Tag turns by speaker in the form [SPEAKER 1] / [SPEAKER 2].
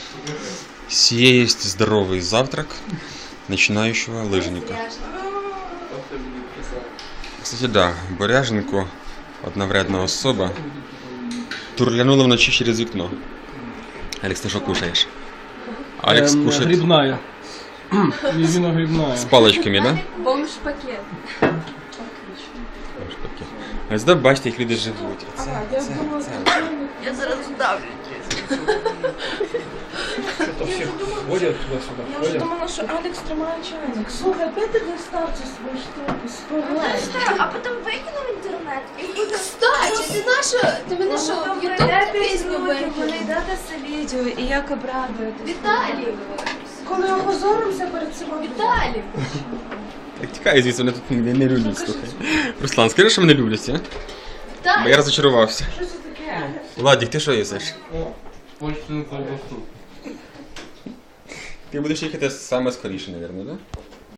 [SPEAKER 1] Сие есть здоровый завтрак начинающего лыжника. Кстати, да, Боряженко, одна вредна особа, турлянула вночі через вікно. Алекс, ты что кушаешь? Алекс кушает
[SPEAKER 2] Грибная. Мизина грибная.
[SPEAKER 1] с палочками, да?
[SPEAKER 3] Бомж-пакет.
[SPEAKER 1] Ось да, бачите, як люди живуть.
[SPEAKER 3] Я зараз здавлю.
[SPEAKER 2] Ходят туда-сюда.
[SPEAKER 4] Я вже думала, що Алекс тримає чайник. Слухай, опять ти достав цю свою штуку, спогай.
[SPEAKER 3] А потім викину в інтернет і буде...
[SPEAKER 5] Кстати, ти наша, ти мене що, в Ютуб пісню
[SPEAKER 4] Ви
[SPEAKER 5] викинув?
[SPEAKER 4] йдете це відео і як обрадуєтесь.
[SPEAKER 5] Віталій!
[SPEAKER 4] Коли опозоримося перед цим
[SPEAKER 5] Віталій!
[SPEAKER 1] Так тікай звідси, мене тут не люблять, слухай. Руслан, скажи, що мене люблять, а? Бо я
[SPEAKER 5] Віталій!
[SPEAKER 1] розочарувався.
[SPEAKER 4] Що це таке?
[SPEAKER 1] Владик, ти що їсиш?
[SPEAKER 2] Почту колбасу.
[SPEAKER 1] Ти будеш їхати саме скоріше, мабуть, так? Да?